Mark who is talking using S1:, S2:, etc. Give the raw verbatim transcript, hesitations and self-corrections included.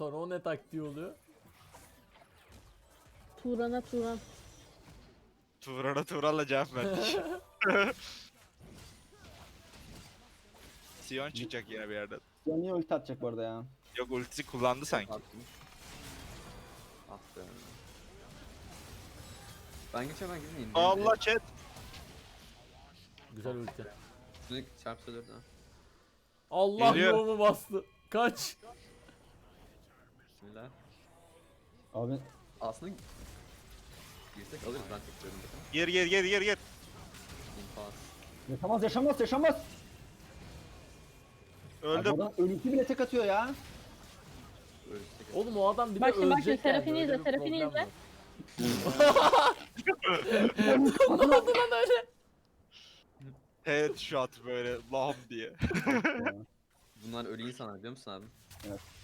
S1: sonra o ne taktiği oluyor?
S2: Turan'a Turan.
S3: Turan'a Turan'la cevap verdik. Sion çıkacak yine bir yerden.
S4: Ya niye ulti atacak bu arada ya?
S3: Yok ultisi kullandı sanki.
S5: Attım. Ah be. Ben geçemem gitmeyeyim.
S3: Allah chat.
S1: Güzel ulti.
S5: Şunu çarpsa dört ha.
S1: Allah
S3: Geliyor.
S1: yoğumu bastı. Kaç.
S5: Bismillah.
S4: Abi
S5: Aslında girsek alırız ben tek diyorum zaten.
S3: Gir gir gir gir gir.
S5: İnfaz.
S4: yaşamaz yaşamaz yaşamaz.
S3: Öldüm.
S4: Abi adam ölüsü bile tek atıyor ya.
S5: Öyle tek
S1: Oğlum o adam bir de
S2: Bak şimdi, bak
S1: ölecek
S2: şimdi, Serafini
S1: yani.
S2: izle,
S1: Öyle bir
S2: Serafini
S1: problem
S2: izle.
S1: var. Ne oldu lan öyle?
S3: Headshot böyle lam diye.
S5: Bunlar ölü insanlar biliyor musun abi?
S4: Evet.